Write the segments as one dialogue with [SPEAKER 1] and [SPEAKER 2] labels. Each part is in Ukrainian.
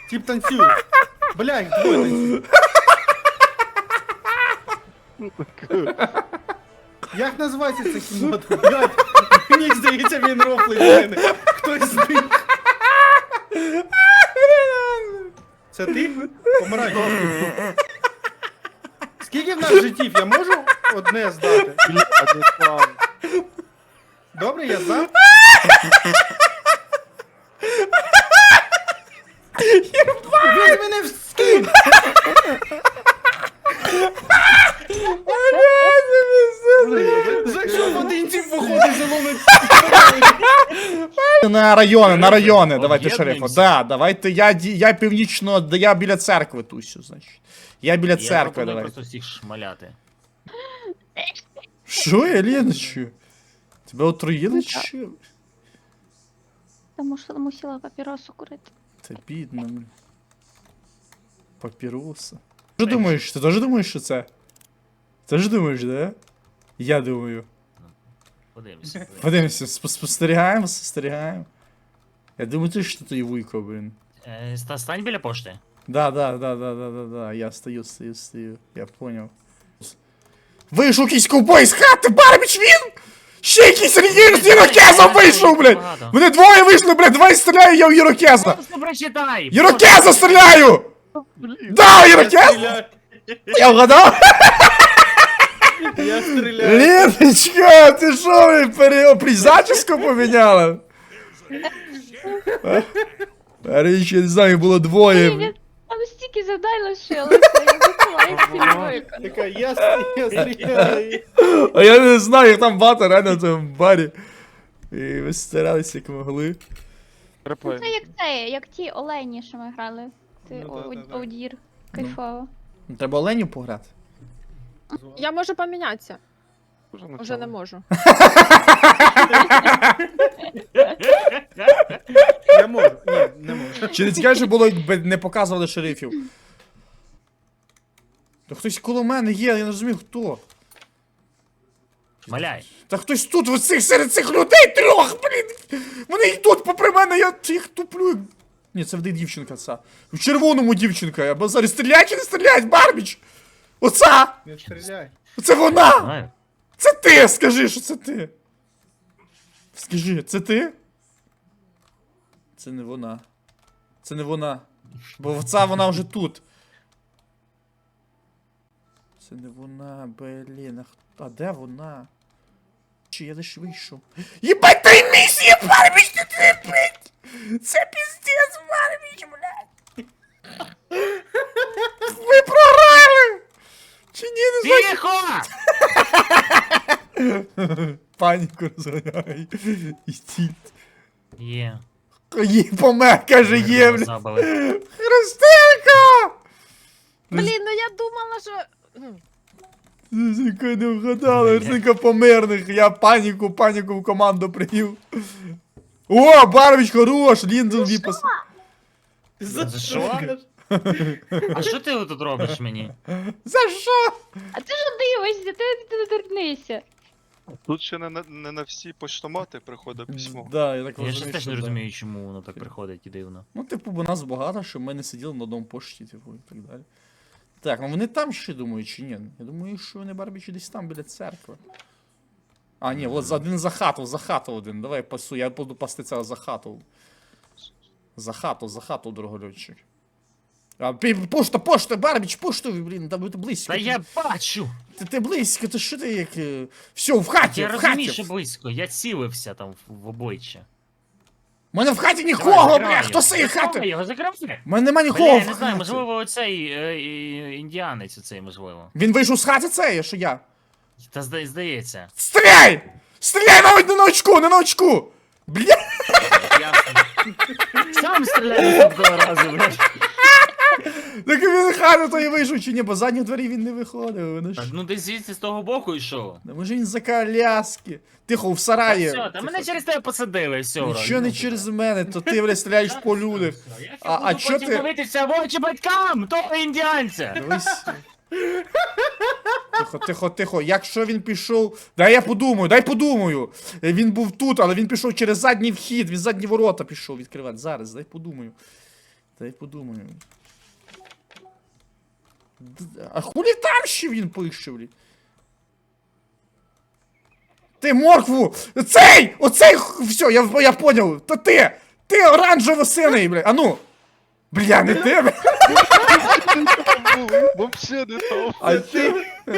[SPEAKER 1] Тип танцює. Блядь, двоє танцює. Як називається ця кімната? Блядь, мені здається, він рофлить з мене. Хтось зник. Це ти? Помирай. Скільки в нас життів? Я можу одне здати? Добре, я здав? Він мене вскинь! Зайшов в один тип, виходить, заломить.
[SPEAKER 2] На райони, давайте шерифа.
[SPEAKER 3] Об'єднуємося?
[SPEAKER 2] Да, давайте, я північно, я біля церкви тусю, значить. Я біля
[SPEAKER 3] Я
[SPEAKER 2] церкви,
[SPEAKER 3] пропоную
[SPEAKER 2] давай.
[SPEAKER 3] просто всіх шмаляти.
[SPEAKER 2] Що, я Леночу? Тебе отруїли чи що?
[SPEAKER 4] Тому що мусила папіросу курити.
[SPEAKER 2] Та бідно, блін. Папіроса. Що думаєш? Ти теж думаєш, що це? Ти ж думаєш, да? Я думаю.
[SPEAKER 3] Подивимося.
[SPEAKER 2] Подивимося, спостерігаємо. Я думаю, ти що ти вуйко, блін.
[SPEAKER 3] Стань біля пошти.
[SPEAKER 2] Да, я стою. Я понял. Вийшов якийсь ковбой з хати, Барбіч він! Ще якийсь ірокезом вийшов, блядь! Вони двоє вийшли, блядь, двоє стріляю, я в ірокеза!
[SPEAKER 3] Просто прочитай!
[SPEAKER 2] Ірокеза стріляю! Да, ірокез! Я вгадав?
[SPEAKER 1] Я стріляю.
[SPEAKER 2] Леночка, ти що, блядь, зачіску поміняла? Річ, я не знаю, було двоє.
[SPEAKER 4] Ні, там стільки завдань лишилося, я випила їх всі
[SPEAKER 1] Така, я стріляю.
[SPEAKER 2] А я не знаю, їх там багато реально в цьому барі. І ви старалися як могли.
[SPEAKER 4] Це як ті олені, що ми грали. Ти
[SPEAKER 1] Ну, да.
[SPEAKER 4] одір. Кайфово.
[SPEAKER 2] Треба Оленю пограти.
[SPEAKER 5] Я можу помінятися. Уже не можу.
[SPEAKER 1] Я можу. Ні, не можу.
[SPEAKER 2] Чи не цікаво, що було, якби не показували шерифів? Та хтось коло мене є, я не розумію хто.
[SPEAKER 3] Шмаляй.
[SPEAKER 2] Та хтось тут, серед цих людей трьох, блін! Вони йдуть попри мене, я їх туплю. Ні, це вде дівчинка ця. В червоному дівчинка, я базарю. Стріляй чи не стріляй, Барбіч? Оця!
[SPEAKER 1] Не стріляй.
[SPEAKER 2] Це вона!
[SPEAKER 3] Знаю.
[SPEAKER 2] Це ти! Скажи, що це ти! Скажи, це ти? Це не вона. Це не вона. Бо ця вона вже тут. Це не вона, блін. А де вона? Чи я десь вийшов? Єбать, 3 місії, Барбіч, ти трепить! Це піздець, Барбіч, блядь! Ви програли! Чи ні, не знаю.
[SPEAKER 3] Тихо!
[SPEAKER 2] Паніку розганяй. І стіль.
[SPEAKER 3] Є.
[SPEAKER 2] Є, помер, каже, є, блядь.
[SPEAKER 3] Забили.
[SPEAKER 2] Христинка!
[SPEAKER 5] Блін, ну я думала, що.
[SPEAKER 2] Христинка не вгадала, Христинка померних. Я паніку в команду привів. О, Барбіч хорош, Ліндон випас.
[SPEAKER 3] За що? А що ти тут робиш мені?
[SPEAKER 2] За що?
[SPEAKER 4] А ти ж дивишся, ти не торкнися.
[SPEAKER 6] Тут ще не на всі поштомати приходить письмо.
[SPEAKER 2] Да, я так
[SPEAKER 3] Я
[SPEAKER 2] розумію,
[SPEAKER 3] ще теж
[SPEAKER 2] що
[SPEAKER 3] не
[SPEAKER 2] да.
[SPEAKER 3] розумію, чому воно так приходить і дивно.
[SPEAKER 2] Ну, типу, бо нас багато, щоб ми не сиділи на одному пошті, типу, і так далі. Так, ну вони там ще думають, чи ні? Я думаю, що вони Барбічі десь там, біля церкви. А, ні, от один за хату один. Давай пасу, я буду пасти цього за хату. За хату, дорогольотчик. А, пошта, Барбіч, пошту, блін, там ти близько.
[SPEAKER 3] Та я бачу!
[SPEAKER 2] Ти близько, ти що ти як... Все, в хаті,
[SPEAKER 3] Я
[SPEAKER 2] в
[SPEAKER 3] розумію, що
[SPEAKER 2] хаті.
[SPEAKER 3] близько, я цілився там в обойче.
[SPEAKER 2] У мене в хаті
[SPEAKER 3] Давай,
[SPEAKER 2] нікого,
[SPEAKER 3] закривай
[SPEAKER 2] бля,
[SPEAKER 3] його.
[SPEAKER 2] хто з цієї
[SPEAKER 3] Закривай
[SPEAKER 2] хати?
[SPEAKER 3] його, закривай!
[SPEAKER 2] У мене нема
[SPEAKER 3] Бля,
[SPEAKER 2] нікого
[SPEAKER 3] я
[SPEAKER 2] в
[SPEAKER 3] не знаю,
[SPEAKER 2] хаті.
[SPEAKER 3] можливо, оцей індіанець оцей, можливо.
[SPEAKER 2] Він вийшов з хати цей, що я.
[SPEAKER 3] Та здається.
[SPEAKER 2] Стріляй! Стріляй навіть не на очку! Бля!
[SPEAKER 3] Ясно. Сам стріляю того разу, блядь.
[SPEAKER 2] Так він хату то і вийшов чи ні, бо з задніх дверей він не виходив. Вони
[SPEAKER 3] Так,
[SPEAKER 2] ж...
[SPEAKER 3] ну десь звідси з того боку йшов.
[SPEAKER 2] Да може він за коляски. Тихо, в сараї.
[SPEAKER 3] Все, та мене через тебе посадили, все.
[SPEAKER 2] Нічого не через мене, то ти, бля, стріляєш по людях. А чо
[SPEAKER 3] потім
[SPEAKER 2] ти-
[SPEAKER 3] дивитися в очі батькам, того індіанця.
[SPEAKER 2] Дивись. Тихо. Якщо він пішов. Дай подумаю. Він був тут, але він пішов через задній вхід, він задні ворота пішов відкривати. Зараз, дай подумаю. Дай подумаю. А хулі там ще він пише, блін? Ти моркву! Цей! Оцей! Все, я понял! То ти! Ти оранжево-синий, бля! А ну! Бля, не ти, бля!
[SPEAKER 6] Вообще не то.
[SPEAKER 2] А ти...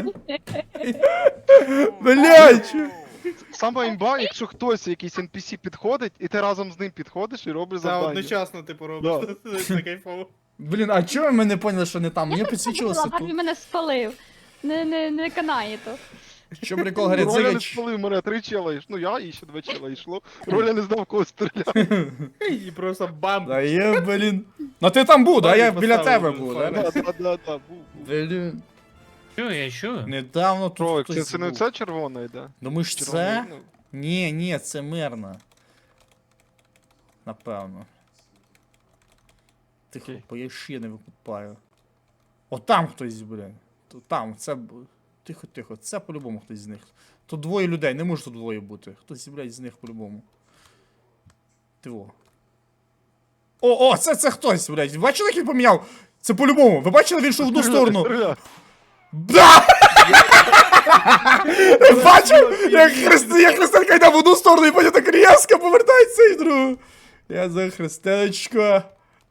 [SPEAKER 2] Блядь!
[SPEAKER 6] Саме імба, якщо хтось, якийсь NPC підходить, і ти разом з ним підходиш і робиш
[SPEAKER 1] Та
[SPEAKER 6] завдання.
[SPEAKER 1] одночасно ти поробиш. Це кайфово.
[SPEAKER 2] Блін, а чого ми не поняли, що не там? Мені підсвічувалося
[SPEAKER 4] Барбі
[SPEAKER 2] тут.
[SPEAKER 4] мене спалив. Не канає то.
[SPEAKER 2] Що прикол, говорить,
[SPEAKER 6] Роля не
[SPEAKER 2] зигач.
[SPEAKER 6] спалив мене, 3 чела йшло. Ну я і ще 2 чела йшло. Роля не знав, кого стріляти.
[SPEAKER 1] І просто бам.
[SPEAKER 2] Да є, блін. Ну ти там був, да? Я біля тебе був, да?
[SPEAKER 6] Да, був.
[SPEAKER 2] Блін.
[SPEAKER 3] Чую, я чую.
[SPEAKER 2] Недавно тут
[SPEAKER 6] Тройк,
[SPEAKER 2] хтось
[SPEAKER 6] це не
[SPEAKER 2] був.
[SPEAKER 6] це червона йде?
[SPEAKER 2] Думаєш, це?
[SPEAKER 6] Червоний, ну.
[SPEAKER 2] Ні, це мирно. Напевно. Тихо, бо я ще не викупаю. О, там хтось, блін. Там, це... Тихо, це по-любому хтось з них. Тут двоє людей, не може тут двоє бути. Хтось, блядь, з них по-любому. Тиво. О, це хтось, блядь. Бачили, як він поміняв? Це по-любому. Ви бачили, він йшов в одну сторону?
[SPEAKER 6] Стріляй.
[SPEAKER 2] Да! Бачив, як Христинка йде в одну сторону і потім так різко повертається і в другу. Я за Христиночку.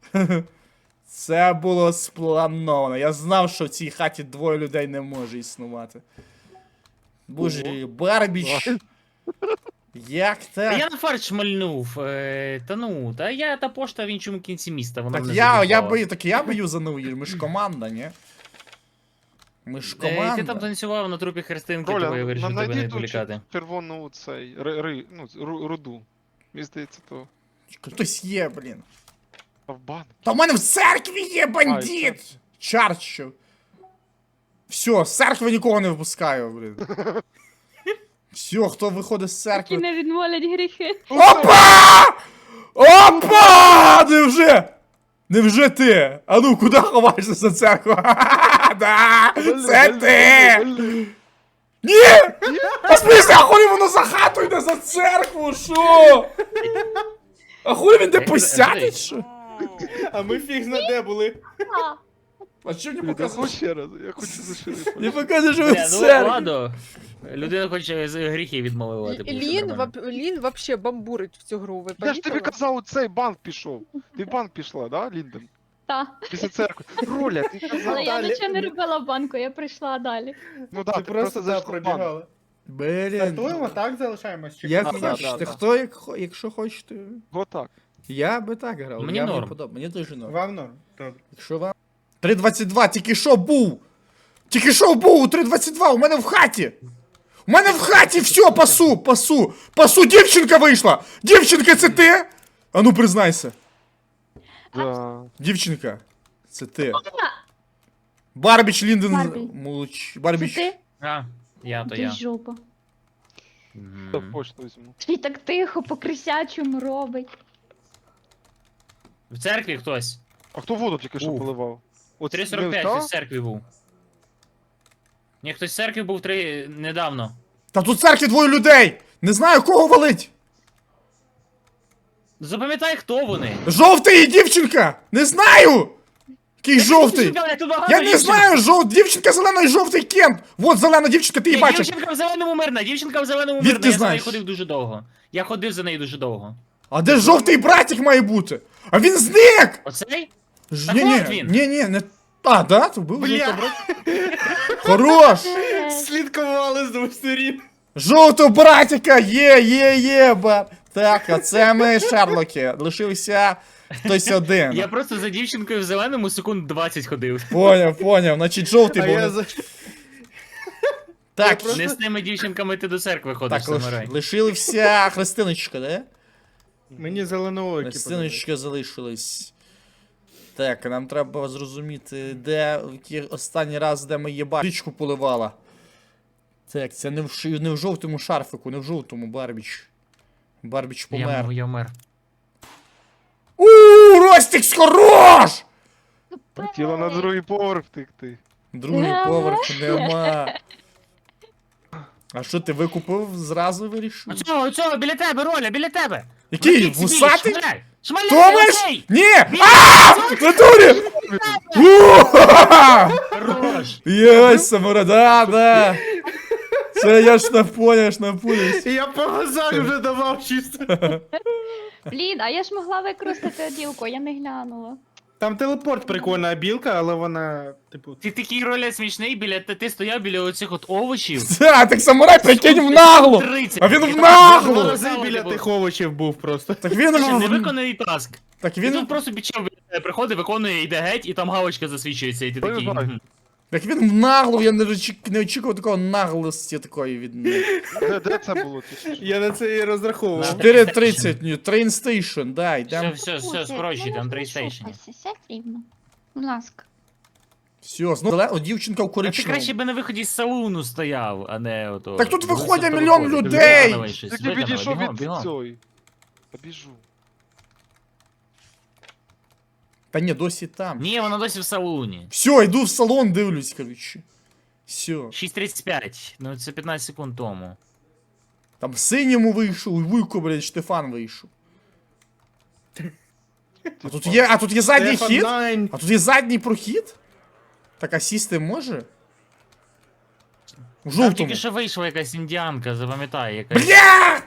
[SPEAKER 2] Це було сплановано. Я знав, що в цій хаті двоє людей не може існувати. Боже, Барбіч. Як
[SPEAKER 3] Та
[SPEAKER 2] так?
[SPEAKER 3] я на фарт шмальнув. Та я та пошта в іншому кінці міста. Вона
[SPEAKER 2] Так
[SPEAKER 3] мене
[SPEAKER 2] я би юзанув її. Ми ж команда, ні? Ми ж
[SPEAKER 3] Ти там
[SPEAKER 2] команда.
[SPEAKER 3] танцював на трупі Христинки,
[SPEAKER 6] Роля,
[SPEAKER 3] тому я вирішив тебе не
[SPEAKER 6] знайди ту
[SPEAKER 3] відволікати.
[SPEAKER 6] червону цей, руду. Мені здається, то
[SPEAKER 2] Хтось є, блін.
[SPEAKER 6] в банк.
[SPEAKER 2] Та в мене в церкві є
[SPEAKER 6] А, і
[SPEAKER 2] бандит! Чарчу. Все, з церкви нікого не випускаю, блін. Все, хто виходить з
[SPEAKER 4] Які
[SPEAKER 2] церкви.
[SPEAKER 4] не відмолять гріхи.
[SPEAKER 2] Опа! Опа! Невже? Невже ти? А ну, куди ховаєшся за церкву? Да! Це ти! Ні! А смисл, а хулі воно за хату йде за церкву, що? А хулі він де посядить, що?
[SPEAKER 1] А ми фіг знаде були.
[SPEAKER 4] А,
[SPEAKER 2] А що не
[SPEAKER 6] Я
[SPEAKER 2] показуєш?
[SPEAKER 6] хочу ще раз, я хочу заширити.
[SPEAKER 2] Не показуєш, що ви в
[SPEAKER 3] Ну
[SPEAKER 2] церкві.
[SPEAKER 3] ладно. Людина хоче з гріхи відмовити. буде все нормально.
[SPEAKER 5] Лін вообще бамбурить в цю гру, ви
[SPEAKER 6] Я ж тобі
[SPEAKER 5] помітили?
[SPEAKER 6] казав, у цей банк пішов. Ти в банк пішла, да, Лінден?
[SPEAKER 4] та.
[SPEAKER 6] Після церкви. Роля, ти казав.
[SPEAKER 4] Але я
[SPEAKER 1] далі.
[SPEAKER 4] нічого не робила в банку, я прийшла далі.
[SPEAKER 6] Ну да,
[SPEAKER 1] Ти
[SPEAKER 6] ти
[SPEAKER 1] просто
[SPEAKER 6] зайшла в банк.
[SPEAKER 1] пробігала.
[SPEAKER 2] Блін.
[SPEAKER 1] Стартуємо, так залишаємось? Чи
[SPEAKER 2] Як
[SPEAKER 1] хтось
[SPEAKER 6] да,
[SPEAKER 2] хочете,
[SPEAKER 6] да.
[SPEAKER 2] хто якщо хочете.
[SPEAKER 6] Отак.
[SPEAKER 2] Я би так грав.
[SPEAKER 3] Мені
[SPEAKER 2] я
[SPEAKER 3] норм.
[SPEAKER 2] Мені дуже норм.
[SPEAKER 1] Вам норм. Добре.
[SPEAKER 2] Якщо вам. 3.22, тільки що був! Тільки що був у 3.22, у мене в хаті! У мене в хаті все, пасу, дівчинка вийшла! Дівчинка, це ти? А ну признайся.
[SPEAKER 6] Да.
[SPEAKER 2] Дівчинка, це ти. Барбіч Лінден.
[SPEAKER 4] Барбі.
[SPEAKER 2] Молодч.
[SPEAKER 4] Це
[SPEAKER 2] Барбіч.
[SPEAKER 4] ти?
[SPEAKER 3] А, я то
[SPEAKER 4] Ти
[SPEAKER 3] я.
[SPEAKER 4] жопа.
[SPEAKER 3] Мгм.
[SPEAKER 6] Я почту візьму.
[SPEAKER 4] Ти так тихо по крисячому робить.
[SPEAKER 3] В церкві хтось.
[SPEAKER 6] А хто воду тільки що
[SPEAKER 2] Уф.
[SPEAKER 6] поливав? От
[SPEAKER 3] 3.45
[SPEAKER 6] та?
[SPEAKER 3] хтось в церкві був. Ні, хтось в церкві був недавно.
[SPEAKER 2] Та тут в церкві двоє людей! Не знаю, кого валить!
[SPEAKER 3] Запам'ятай, хто вони.
[SPEAKER 2] Жовтий і дівчинка! Не знаю! Який жовтий?
[SPEAKER 3] Дівчинка, блядь, тут багато
[SPEAKER 2] Я не
[SPEAKER 3] дівчинок.
[SPEAKER 2] знаю, дівчинка зелена і жовтий Кент! Вот зелена дівчинка, ти її
[SPEAKER 3] Ні,
[SPEAKER 2] бачиш!
[SPEAKER 3] дівчинка в зеленому мирна, дівчинка в зеленому
[SPEAKER 2] Звідки
[SPEAKER 3] мирна, я за
[SPEAKER 2] знаєш?
[SPEAKER 3] нею ходив дуже довго. Я ходив за нею дуже довго.
[SPEAKER 2] А де жовтий братик має бути? А він зник!
[SPEAKER 3] Оцей?
[SPEAKER 2] Ж-
[SPEAKER 3] Так
[SPEAKER 2] Ні,
[SPEAKER 3] от він.
[SPEAKER 2] ні, не... А, да? То був
[SPEAKER 1] Бля.
[SPEAKER 2] жовтий братик. Хорош!
[SPEAKER 1] Слідкували з двох сторін.
[SPEAKER 2] Жовтого братика! Є, бар. Так, а це ми Шерлоки. Лишився хтось один.
[SPEAKER 3] Я просто за дівчинкою в зеленому секунд 20 ходив.
[SPEAKER 2] Поняв. Значить, жовтий
[SPEAKER 1] А
[SPEAKER 2] був.
[SPEAKER 1] я за...
[SPEAKER 2] Так,
[SPEAKER 1] я
[SPEAKER 3] Не з тими дівчинками ти до церкви ходиш,
[SPEAKER 2] так
[SPEAKER 3] самурай.
[SPEAKER 2] лишилася Христиночка, да?
[SPEAKER 1] Мені зеленоокі
[SPEAKER 2] Христиночка залишилась. Так, нам треба зрозуміти, де останній раз, де ми її річку поливала. Так, це не в жовтому шарфику, не в жовтому Барбіч. Барбіч помер.
[SPEAKER 3] Я вмер.
[SPEAKER 2] Ростікс хорош!
[SPEAKER 6] Хотіла на другий поверх втекти.
[SPEAKER 2] Другий поверх нема. А що ти викупив зразу вирішив?
[SPEAKER 3] Оцього, біля тебе, Роля, біля тебе!
[SPEAKER 2] Який?
[SPEAKER 3] Летить собі,
[SPEAKER 2] Вусатий?
[SPEAKER 3] шмаляй. Шмаляй,
[SPEAKER 2] Томаш!
[SPEAKER 3] окей!
[SPEAKER 2] Ні! Ааа! В натурі! Уа!
[SPEAKER 3] Хорош!
[SPEAKER 2] Єй, самура, да. Це я ж напуняш.
[SPEAKER 1] І я по глазах вже давав чисто.
[SPEAKER 4] Блін, а я ж могла використати оділку, я не глянула.
[SPEAKER 1] Там телепорт прикольна білка, але вона, типу.
[SPEAKER 3] Ти такий роля смішний, ти стояв біля оцих от овочів.
[SPEAKER 2] Так самурай, прикинь, в наглу!
[SPEAKER 3] 30.
[SPEAKER 2] А він
[SPEAKER 3] І
[SPEAKER 2] в
[SPEAKER 3] там
[SPEAKER 2] наглу!
[SPEAKER 3] два
[SPEAKER 1] Рази
[SPEAKER 3] рази
[SPEAKER 1] біля тих овочів був просто.
[SPEAKER 2] Так він
[SPEAKER 3] Невиконаний таск.
[SPEAKER 2] Так
[SPEAKER 3] Він
[SPEAKER 2] він.
[SPEAKER 3] просто підчав біля тебе приходить, виконує, йде геть, і там галочка засвічується, і ти такий.
[SPEAKER 6] Бай-бай.
[SPEAKER 3] «Мгм».
[SPEAKER 2] Так він в наглу, я не очікував такого наглості такої від них.
[SPEAKER 6] Де це було?
[SPEAKER 1] Я на це і розраховував.
[SPEAKER 2] 4:30, ні, train station, да,
[SPEAKER 3] Все,
[SPEAKER 2] йдем.
[SPEAKER 3] все, скорочуй, там трейстейшн.
[SPEAKER 4] Сядь рівно. Будь ласка.
[SPEAKER 2] Все, знову дівчинка в
[SPEAKER 3] А ти
[SPEAKER 2] коричневому.
[SPEAKER 3] краще би на виході з салуну стояв, а не ото.
[SPEAKER 2] Так тут
[SPEAKER 3] Дивися,
[SPEAKER 2] виходять
[SPEAKER 3] хто
[SPEAKER 2] мільйон
[SPEAKER 3] виходить.
[SPEAKER 2] людей!
[SPEAKER 3] Виконавай щось,
[SPEAKER 6] Так я
[SPEAKER 3] виконавай,
[SPEAKER 6] підійшов
[SPEAKER 3] бігом,
[SPEAKER 6] від
[SPEAKER 3] бігом.
[SPEAKER 6] цієї. Побіжу.
[SPEAKER 2] Та ні, досі там.
[SPEAKER 3] Ні, вона досі в салуні.
[SPEAKER 2] Все, йду в салон, дивлюсь, коротше. Все.
[SPEAKER 3] 6:35, ну це 15 секунд тому.
[SPEAKER 2] Там синьому вийшов, і Вуйко, блядь, Штефан вийшов. А тут є задній
[SPEAKER 1] Стефан
[SPEAKER 2] хід?
[SPEAKER 1] Найн.
[SPEAKER 2] А тут є задній прохід? Так, а сісти може? У
[SPEAKER 3] Там
[SPEAKER 2] жовтому.
[SPEAKER 3] тільки що вийшла якась індіанка, запам'ятай, якась.
[SPEAKER 2] Бля!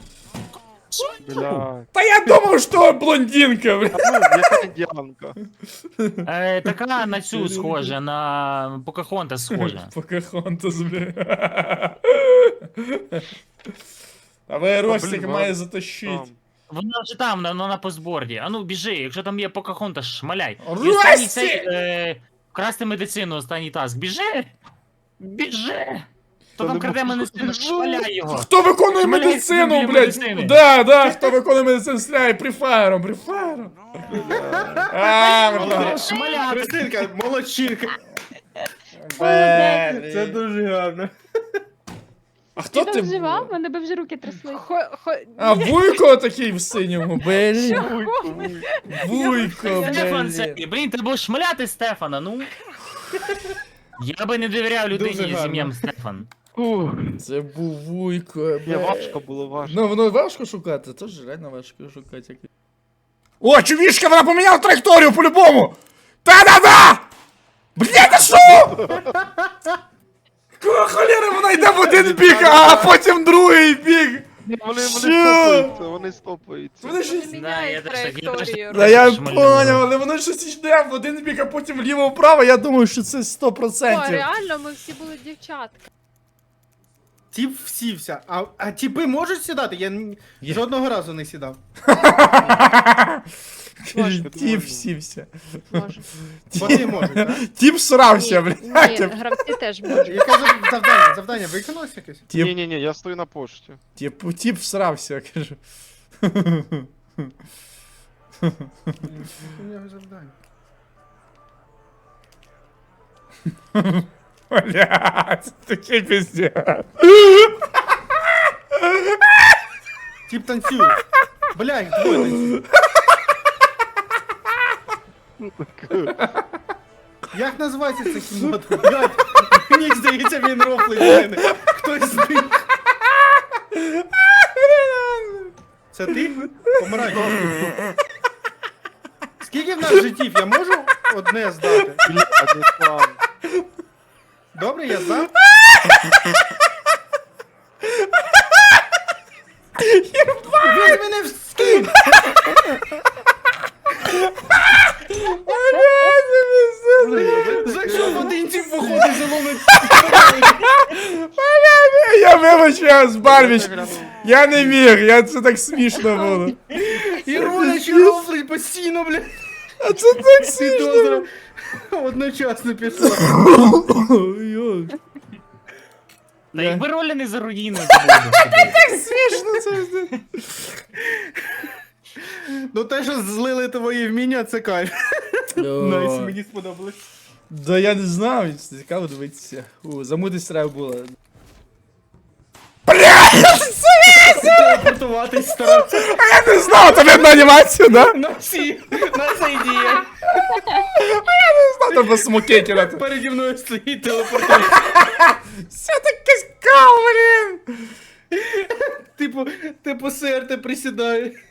[SPEAKER 6] Бля.
[SPEAKER 2] Та я думав, що блондинка, бля.
[SPEAKER 6] Ну, яка індіанка.
[SPEAKER 3] Така на цю схожа, на Покахонта схожа.
[SPEAKER 2] Покахонтас, бля. А ви Ростик
[SPEAKER 6] блін,
[SPEAKER 2] має
[SPEAKER 6] ладно,
[SPEAKER 2] затащить.
[SPEAKER 6] Там.
[SPEAKER 3] Вона вже там, вона на постборді. А ну біжи, якщо там є Покахонта, шмаляй. І
[SPEAKER 2] Рості!
[SPEAKER 3] останній цей, красти медицину, останній таск. Біжи! Біжи! Хто
[SPEAKER 6] Та
[SPEAKER 3] там
[SPEAKER 6] не
[SPEAKER 3] краде
[SPEAKER 6] можу.
[SPEAKER 3] медицину, шмаляй його!
[SPEAKER 2] Хто виконує
[SPEAKER 3] Шмаляй
[SPEAKER 2] медицину,
[SPEAKER 3] собі
[SPEAKER 2] блядь?
[SPEAKER 3] медицини.
[SPEAKER 2] Да, хто виконує медицину, стріляє прифаєром. А, бля.
[SPEAKER 3] Шмаляти!
[SPEAKER 1] Христинка, молодчинка.
[SPEAKER 2] Блядь.
[SPEAKER 1] Це дуже гарно.
[SPEAKER 2] А хто
[SPEAKER 4] Ти
[SPEAKER 2] ти
[SPEAKER 4] там жива?
[SPEAKER 2] був?
[SPEAKER 4] Мене би вже руки трясли.
[SPEAKER 2] А, Вуйко такий в синьому, блін. Вуйко,
[SPEAKER 3] Стефан,
[SPEAKER 2] блін.
[SPEAKER 3] це, блін, треба було шмаляти Стефана, ну. Я би не довіряв
[SPEAKER 1] Дуже
[SPEAKER 3] людині з
[SPEAKER 1] гарно.
[SPEAKER 3] ім'ям Стефан.
[SPEAKER 6] Ух.
[SPEAKER 2] Це був Вуйко,
[SPEAKER 6] Ні,
[SPEAKER 2] бля.
[SPEAKER 6] важко було, важко.
[SPEAKER 2] Ну, воно важко шукати, тож реально важко шукати. О, чувішка, вона поміняла траєкторію по-любому! Та-да-да! Бля, ти що? Кого холєри, вона йде в один бік, а потім другий бік!
[SPEAKER 6] Ні, вони
[SPEAKER 2] Що?
[SPEAKER 6] стопаються, вони стопаються.
[SPEAKER 2] Вони щось...
[SPEAKER 3] Да, я теж так, я теж так.
[SPEAKER 2] Да я
[SPEAKER 3] Шмалюю.
[SPEAKER 2] поняв, але воно щось йде в один бік, а потім вліво-вправо, я думаю, що це 100%.
[SPEAKER 5] О, реально, ми всі були дівчатка.
[SPEAKER 1] Тіп всівся. А тіпи можуть сідати? Я
[SPEAKER 2] Є.
[SPEAKER 1] жодного разу не сідав.
[SPEAKER 2] Тіп сівся.
[SPEAKER 5] Може.
[SPEAKER 1] Вони можуть, так?
[SPEAKER 2] Тіп срався,
[SPEAKER 5] Ні,
[SPEAKER 2] блядь.
[SPEAKER 5] гравці теж можуть.
[SPEAKER 1] Яке завдання? Завдання виконалось якесь?
[SPEAKER 2] Тіп,
[SPEAKER 6] Ні-ні-ні, я стою на пошті.
[SPEAKER 2] тіп всрався, кажу.
[SPEAKER 1] У нього завдання.
[SPEAKER 2] Блядь, такий пиздец.
[SPEAKER 1] Тіп танцює. Бля, їх двоє танцюють. Як називається ця кімната? Блядь, мені здається, він рофлить в мене. Хтось з них. Це ти? Помирай. Скільки в нас життів? Я можу одне здати?
[SPEAKER 6] Бля, не там.
[SPEAKER 1] Добре, я здав? Він мене вскинь! Зайшов один тип виходить, заломить.
[SPEAKER 2] Я вибачаюсь, Барбіч. Я не міг, це так смішно було.
[SPEAKER 1] І Роля рофлить постійно, блядь.
[SPEAKER 2] А це так смішно.
[SPEAKER 1] Підозра одночасно пішла.
[SPEAKER 2] Ой,
[SPEAKER 3] Та якби ролі не заруїнили, то було б собі.
[SPEAKER 2] смішно це все.
[SPEAKER 1] Ну те, що злили твої вміння, це кайф. Найс, мені сподобалось.
[SPEAKER 2] Да я не знаю, цікаво дивитися. Замутись треба було.
[SPEAKER 1] Телепортуватись старався.
[SPEAKER 2] Я не знав, тобі одну анімацію, да?
[SPEAKER 1] На всі, на це ідея.
[SPEAKER 2] Треба смокейки на
[SPEAKER 1] Переді мною стоїть телепортується.
[SPEAKER 2] Все таке скал, блін.
[SPEAKER 1] Типу СРТ присідає.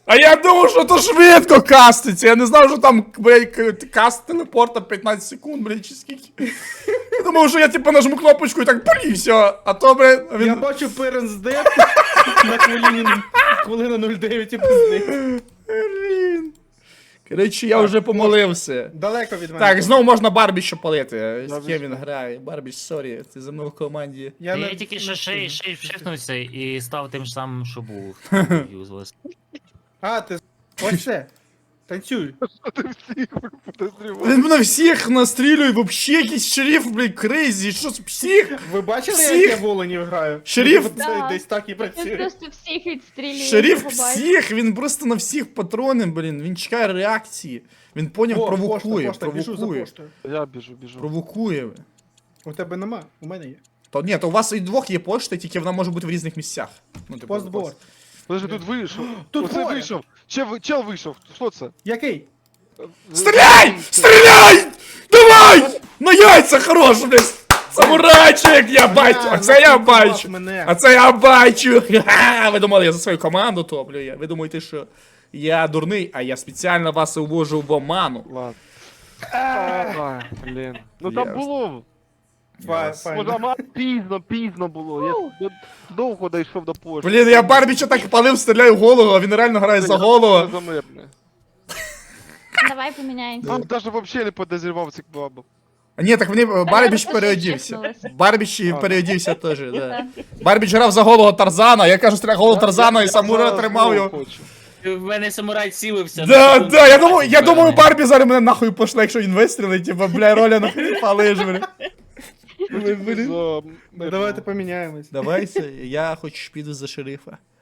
[SPEAKER 2] А я думав, що то швидко каститься. Я не знав, що там, блядь, каст телепорта 15 секунд, блядь, чи скільки. Я думав, що я типу нажму кнопочку і так полі, все. А то, блядь,
[SPEAKER 1] Я
[SPEAKER 2] він...
[SPEAKER 1] бачу Перенс Дед на хвилина 09 і пизди.
[SPEAKER 2] Блін. Коротше, я вже помолився.
[SPEAKER 1] Далеко від мене.
[SPEAKER 2] Так, знову можна Барбі ще палити. З
[SPEAKER 6] Барбі
[SPEAKER 2] ким
[SPEAKER 6] що?
[SPEAKER 2] він грає? Барбі, сорі, ти за мною в команді.
[SPEAKER 1] Я
[SPEAKER 3] Я
[SPEAKER 1] не-
[SPEAKER 3] тільки що шифнувся і став тим ж самим, що був. Юзлес.
[SPEAKER 1] А, ти... Ось це. Танцюй.
[SPEAKER 6] Ти всіх подозріваєш.
[SPEAKER 2] Він на всіх настрілює, вообще якийсь шериф, блядь, крейзі, що з псих?
[SPEAKER 1] Ви бачили,
[SPEAKER 2] Всіх?
[SPEAKER 1] як я в Оленів граю?
[SPEAKER 2] Шериф?
[SPEAKER 1] Це
[SPEAKER 4] Да.
[SPEAKER 1] десь так і
[SPEAKER 4] Він
[SPEAKER 1] працює.
[SPEAKER 4] просто всіх відстрілює.
[SPEAKER 2] Шериф
[SPEAKER 4] його бачить.
[SPEAKER 2] всіх, він просто на всіх патрони, блін, він чекає реакції. Він поняв,
[SPEAKER 1] О,
[SPEAKER 2] провокує,
[SPEAKER 1] пошта, біжу за
[SPEAKER 2] провокує.
[SPEAKER 1] поштою.
[SPEAKER 6] Я біжу.
[SPEAKER 2] Провокує.
[SPEAKER 1] У тебе нема, у мене є.
[SPEAKER 2] То ні, то у вас і двох є пошта, тільки вона може бути в різних місцях. Ну, типу,
[SPEAKER 1] Постборд.
[SPEAKER 6] Подожди, тут вийшов.
[SPEAKER 1] Тут
[SPEAKER 6] Оце
[SPEAKER 1] двоє.
[SPEAKER 6] вийшов. Чел вийшов. Що це?
[SPEAKER 1] Який?
[SPEAKER 2] Стріляй! Стріляй! Давай! На яйця хорош, блядь! Самурайчик, я бачу! А це я бачу!
[SPEAKER 1] Мене.
[SPEAKER 2] А це я бачу! Ха-ха! Ви думали, я за свою команду топлю я. Ви думаєте, що я дурний, а я спеціально вас увожу в оману.
[SPEAKER 6] Ладно. Ай, блін. Ну там
[SPEAKER 2] Ясно.
[SPEAKER 6] було.
[SPEAKER 1] Файно.
[SPEAKER 6] Може, ама пізно було. Я довго дійшов до пошти.
[SPEAKER 2] Блін, я Барбіча так палив, стріляю в голову, а він реально грає за голову.
[SPEAKER 6] Замирне.
[SPEAKER 4] Давай поміняємося.
[SPEAKER 6] Там навіть взагалі не подозрівав цих бабок.
[SPEAKER 2] А ні, так вони Барбіч
[SPEAKER 4] я
[SPEAKER 2] переодівся.
[SPEAKER 4] чекнулася.
[SPEAKER 2] Барбіч переодівся теж, да. Барбіч грав за голого Тарзана, я кажу, стріляв голову Тарзана і Самура тримав його.
[SPEAKER 3] В мене самурай цілився.
[SPEAKER 2] Да, я думаю, Барбі зараз мене нахуй пошле, якщо він вистрілить, типа, бля, Роля нахуй палиш, бля.
[SPEAKER 1] Ну, давайте поміняємось.
[SPEAKER 2] Давайте, я хоч піду за шерифа.